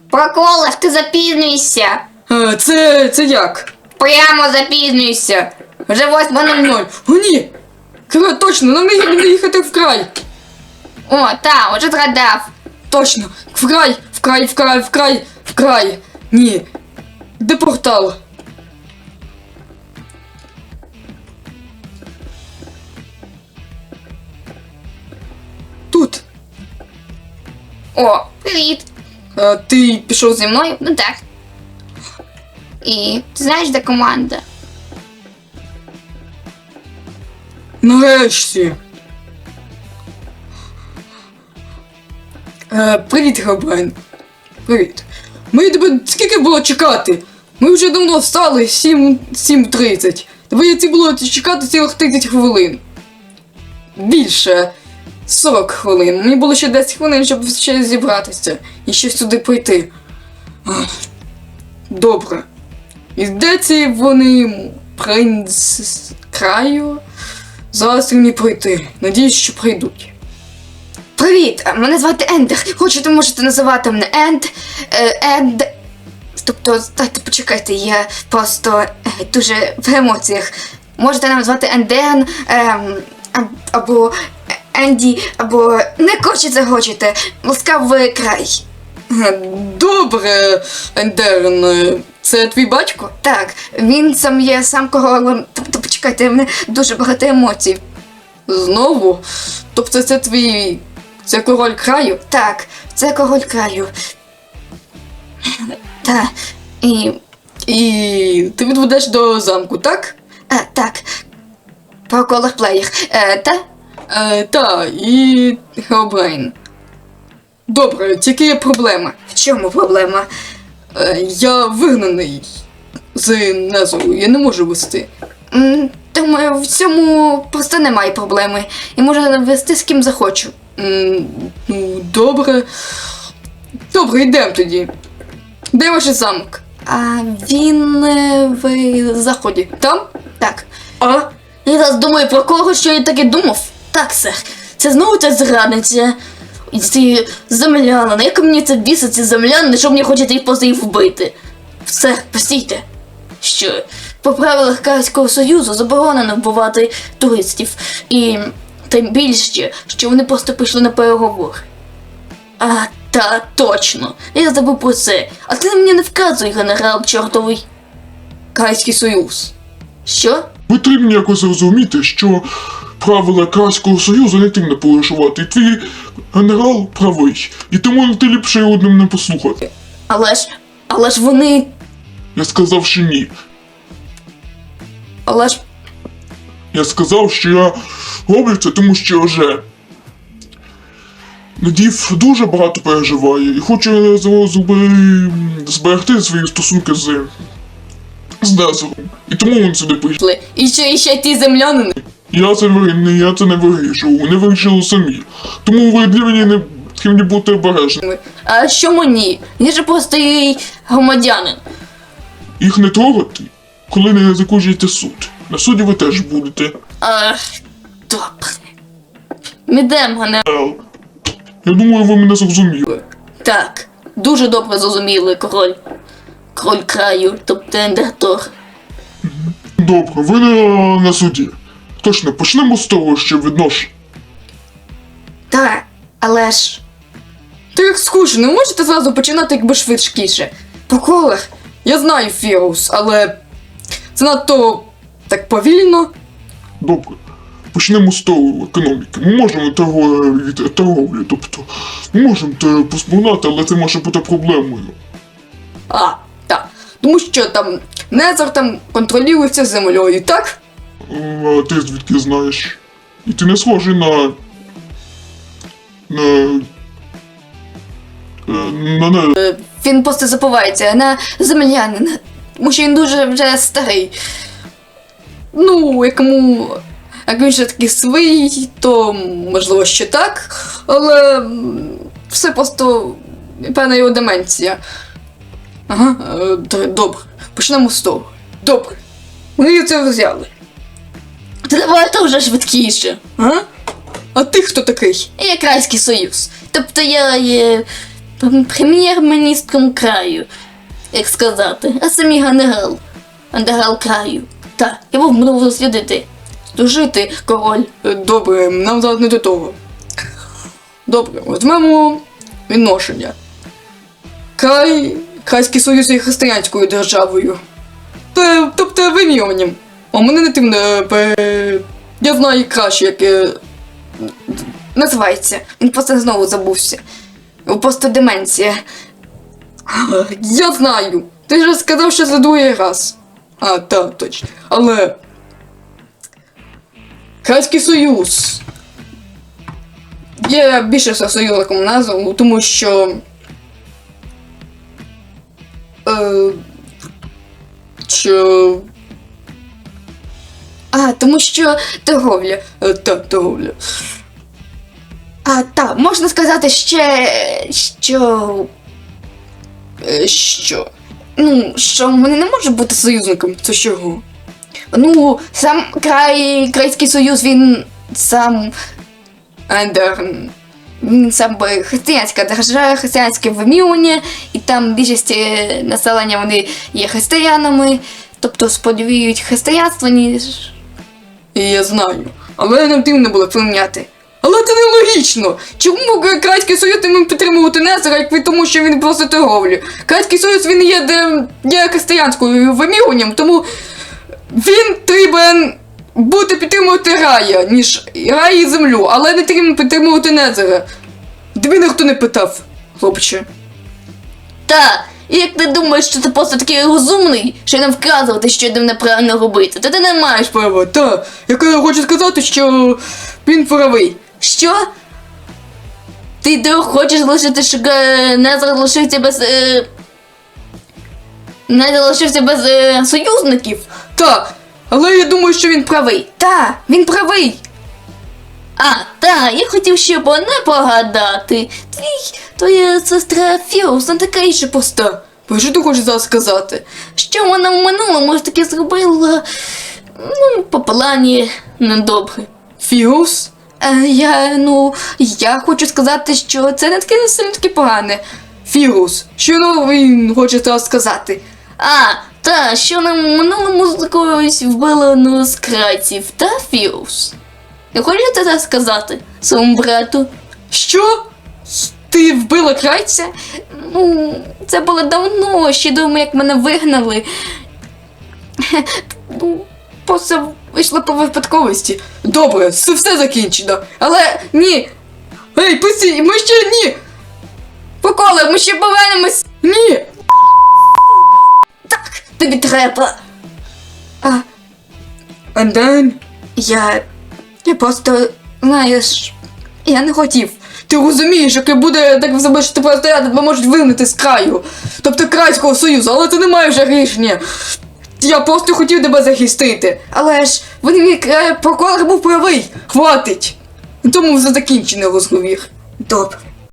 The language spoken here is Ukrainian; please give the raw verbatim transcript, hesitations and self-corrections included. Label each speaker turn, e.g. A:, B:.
A: Проколиш, ти запізнюєшся.
B: А, це, це як?
A: Прямо запізнюєшся. Вже восьма нуль нуль.
B: О, ні! Кра, точно, нам не їхати в край.
A: О, та, уже згадав.
B: Точно, в край, в край, в край, в край, в край. Ні. Де портал? Тут.
A: О, привіт.
B: А ти пішов зі
A: Зі мною? Ну так. І ти знаєш, де команда?
B: Нарешті. Е, привіт, Габрайн. Привіт. Ми тебе скільки було чекати? Ми вже давно встали, сім тридцять. Доведеться було чекати цілих тридцять хвилин. Більше. сорок хвилин. Мені було ще десять хвилин, щоб ще зібратися і ще сюди прийти. Ах. Добре. І де ці вони принц з краю? Зараз мені прийти. Надіюсь, що прийдуть.
A: Привіт, мене звати Ендер. Хочете, можете називати мене Енд. Е, Енд. Тобто, дайте почекайте, я просто е, дуже в емоціях. Можете нам звати Енден, ем, а- або Енді, або не хочете, хочете. Ласкавий край.
B: Е, Добре, Ендерн. Це твій батько?
A: Так, він сам є сам королем. Тобто, почекайте, в мене дуже багато емоцій.
B: Знову? Тобто це твій... Це король краю?
A: Так, це король краю. Та, і.
B: І ти відведеш до замку, так?
A: А, так. Про колор плеєр. Е, та?
B: Е, та, і Хелбрейн. Добре, тільки є проблема.
A: В чому проблема?
B: Е, я вигнаний з Незору, я не можу вести.
A: М, Думаю, в цьому просто немає проблеми. І можу вести з ким захочу.
B: М, Ну, добре. Добре, йдемо тоді. Де ваш замок?
A: А він е, в заході.
B: Там?
A: Так.
B: А?
A: Я зараз думаю про кого, що я таки думав. Так, сер. Це знову ця зрадниця. І ці землянини. Як мені це бісить, ці землянини, що мені хочете їх просто їх вбити? Сер, постійте. Що? По правилах Карського Союзу заборонено вбивати туристів. І тим більше, що вони просто пішли на переговори. А, та, точно. Я забув про це. А ти мені не вказуй, генерал чортовий.
B: Кайський Союз.
A: Що?
C: Потрібно якось зрозуміти, що правила Карського Союзу не тим не порушувати. І твій генерал правий. І тому ти ліпше його одним не послухати.
A: Але ж, але ж вони,
C: Я сказав, що ні.
A: але ж,
C: Я сказав, що я роблю це, тому що вже Надів дуже багато переживає і хоче з- зуби- зберегти свої стосунки з, з Незором. І тому він сюди прийшов.
B: І ще, і ще ті землянини.
C: Я це, ви- не- я це не вирішував, вони вирішили самі. Тому ви для мене не повинні бути обережні.
A: а що мені? Я ж просто і громадянин.
C: Їх не трогати, коли не закінчуєте суд. На суді ви теж будете.
A: А, добре. Мідем, генерал.
C: Е, Я думаю, ви мене зрозуміли.
A: Так, дуже добре зрозуміли, король. Король краю, тобто Ендертор.
C: Добре, ви на, на суді. Точно, почнемо з того, що віднош.
A: Так, але ж,
B: Так скучно, не можете зразу починати якби швидкіше. По колах. Я знаю Фірус, але це надто так повільно.
C: Добре. Почнемо з того економіки. Ми можемо торговлю, від торговлі, тобто ми можемо те поспогнати, але це може бути проблемою.
B: А, так. Тому що там Незор там контролюється землею, так?
C: А ти звідки знаєш? І ти не схожий на. на. е, на не.
A: він просто забувається на землянина. Тому що він дуже вже старий.
B: Ну, якому. Як він ще такий свій, то можливо ще так, але м, все просто певна його деменція. Ага, е, д- добре. Почнемо з того. Добре. Ми це взяли.
A: Та давайте вже швидкіше.
B: А? А ти хто такий?
A: Я Крайський Союз. Тобто я є прем'єр-міністром краю, як сказати, а самі генерал. Генерал краю. Так, я був буду дослідити. Служити, король.
B: Е, Добре, нам зараз не до того. Добре, візьмемо відношення. Край, Крайський Союз є християнською державою. Та, тобто вимірюванням. А мене не тим не... пе- Я знаю краще, як... е,
A: Називається. Він просто знову забувся. Просто деменція.
B: Я знаю. Ти ж сказав, що за другий раз. А, так, точно. Але... Крайський Союз. Є більше союзником назву, тому що... Е, що...
A: А, тому що торговля.
B: Е, так, торговля.
A: А, так, можна сказати ще, що...
B: Е, що?
A: Ну, що вони не можуть бути
B: Союзником, це чого?
A: Ну, сам край, Крайський Союз, він сам,
B: Ендер...
A: він сам би християнська держава, християнське вимірювання, і там більшість е, населення вони є християнами, тобто сподівають християнство, ніж
B: І я знаю. Але нам тим не було прийняти. Але це нелогічно! Чому Крайський Союз не міг підтримувати Незера, як ви тому, що він просто торговлю? Крайський Союз, він є, де, є християнською вимірюванням, тому він треба бути підтримувати рая, ніж рай і землю, але не треба підтримувати Незера. Тобі ніхто не питав, хлопче.
A: та. І як ти думаєш, що ти просто такий розумний, що нам вказувати, що йдемо неправильно робити, то ти не маєш.
B: Право, та, я хочу сказати, що він правий.
A: Що? Ти де хочеш залишити, щоб е, не залишився без. Е... Не залишився без е, союзників?
B: Так, але я думаю, що він правий.
A: Правий. Та, він правий. А, та, я хотів ще по не погадати. Твій, твоя сестра Фіус не така і ще пуста.
B: Бо що ти хочеш зараз сказати?
A: Що вона в минулому ж таки зробила, ну, по плані недобре.
B: Фіус?
A: Е, я, ну, я хочу сказати, що це не таке не сильно таке погане.
B: Фігус, що ну він хоче зараз сказати?
A: А, та, що нам в минулому з якогось вбила одну з крайців, та Фіус. Не хочете це сказати своєму брату?
B: Що? Ти вбила крайця?
A: Ну, це було давно, ще до того, як мене вигнали. Ну, просто вийшло по випадковості.
B: Добре, це все закінчено. Але ні. Ей, пусті, ми ще ні!
A: Поколи, ми ще повернемось.
B: Ні!
A: Так, тобі треба. А,
B: Анден,
A: я. Я просто, знаєш, я не хотів.
B: ти розумієш, яке буде так себе, що тебе стояти, тебе можуть вигнати з краю. Тобто Крайського Союзу, але це немає вже рішення. Я просто хотів тебе захистити.
A: Але ж
B: Вони мій е, прокурор був правий. Хватить. На тому вже закінчений розговір.
A: добре.